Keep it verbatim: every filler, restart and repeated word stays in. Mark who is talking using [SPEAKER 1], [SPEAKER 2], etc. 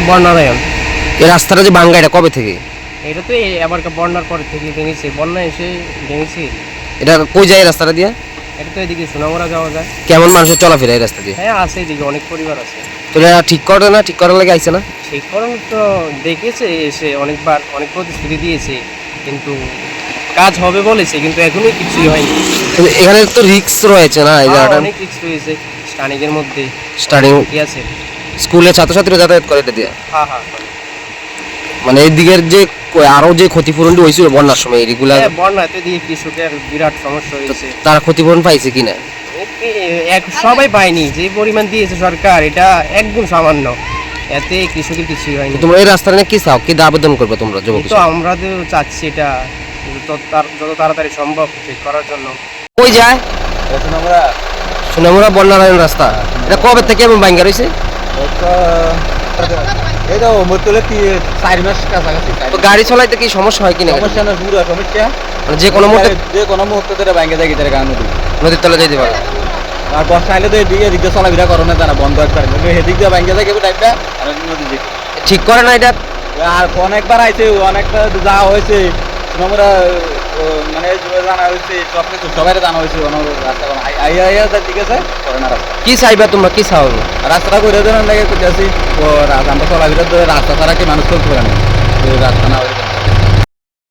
[SPEAKER 1] বন্যারায়ণ।
[SPEAKER 2] এই রাস্তাটা যে ভাঙ্গা এটা কবে থেকে?
[SPEAKER 1] এটা তো আবার বন্যার পর থেকে ভেঙেছে, বন্যা এসে ভেঙেছে।
[SPEAKER 2] এটা কই যায় এই রাস্তাটা দিয়ে?
[SPEAKER 1] এটা তো এদিকে সোনামুড়া যাওয়া যায়।
[SPEAKER 2] কেমন মানুষের চলাফেরা এই রাস্তা দিয়ে?
[SPEAKER 1] হ্যাঁ আছে, এদিকে অনেক পরিবার আছে।
[SPEAKER 2] তো এটা ঠিক করে না, ঠিক করার লাগে আইছে না?
[SPEAKER 1] ঠিক করার তো দেখেছে এসে অনেকবার, অনেক প্রতিশ্রুতি দিয়েছে, কিন্তু কাজ হবে বলেছে, কিন্তু এখনোই কিছুই হয়নি।
[SPEAKER 2] কিন্তু এখানে তো রিস্ক রয়েছে না এই
[SPEAKER 1] হ্যাঁ,
[SPEAKER 2] জায়গাটা?
[SPEAKER 1] অনেক রিস্ক রয়েছে স্টানিংয়ের মধ্যে।
[SPEAKER 2] স্টার্টিং
[SPEAKER 1] কি আছে?
[SPEAKER 2] স্কুলে ছাত্রছাত্রীরা যাতায়াত করে এটা দিয়ে?
[SPEAKER 1] হ্যাঁ হ্যাঁ।
[SPEAKER 2] মানে এই দিকের যে ক- আরো যে ক্ষতিপূরণটি হয়েছিল বন্যার সময় রেগুলার,
[SPEAKER 1] হ্যাঁ, বন্যাতে দিয়ে কৃষকের বিরাট সমস্যা হয়েছে।
[SPEAKER 2] তারা ক্ষতিপূরণ পাইছে কিনা?
[SPEAKER 1] এ- এক- সবাই পায়নি, যে পরিমাণ দিয়েছে সরকার এটা একদম সামান্য, এতে কৃষকের কিছুই হয়নি।
[SPEAKER 2] তোমরা এই রাস্তাটা নিয়ে কি চাও, কি আবেদন করবে তোমরা যুবক?
[SPEAKER 1] তো আমরা তো চাচ্ছি এটা যত তার- যত তাড়াতাড়ি সম্ভব ঠিক করার জন্য।
[SPEAKER 2] কই যায়?
[SPEAKER 3] আমরা
[SPEAKER 2] সোনামুড়া বন্যারায়ণ রাস্তা, এটা কবে থেকে এমন ভাঙ্গা রয়েছে?
[SPEAKER 3] এই তো মতলে কি চার মাস কাছাকাছি।
[SPEAKER 2] তো গাড়ি চালাইতে কি সমস্যা হয় কিনা?
[SPEAKER 3] সমস্যা না, পুরো সমস্যা।
[SPEAKER 2] মানে যে কোনো মুহূর্তে
[SPEAKER 3] যে কোনো মুহূর্তে ধরে ভাঙ্গে যায় গিটারে গান নদী।
[SPEAKER 2] নদীর তলে যেতে পারে।
[SPEAKER 3] আর বর্ষা আইলে তো এদিকে এদিকে চলাফেরা করো না, জানা বন্ধ একবার এদিক দিয়ে ভাঙ্গে যায় কেবল টাইপটা আর নদী দিকে।
[SPEAKER 2] ঠিক করে না এটা?
[SPEAKER 3] আর অনেকবার আইছে, অনেকটা যাওয়া হয়েছে আমরা, মানে জানা হয়েছে সব কিছু সবাই জানা হয়েছে। রাস্তা আইয়া আইয়া ঠিক আছে করে না রাস্তা।
[SPEAKER 2] কি চাইবা তোমরা, কি চাও?
[SPEAKER 3] রাস্তাটা করে দেওয়ার লাগে করতেছি, ও আমরা চলাফেরা রাস্তা ছাড়া কি মানুষ চলতে পারে না, রাস্তা না হয়ে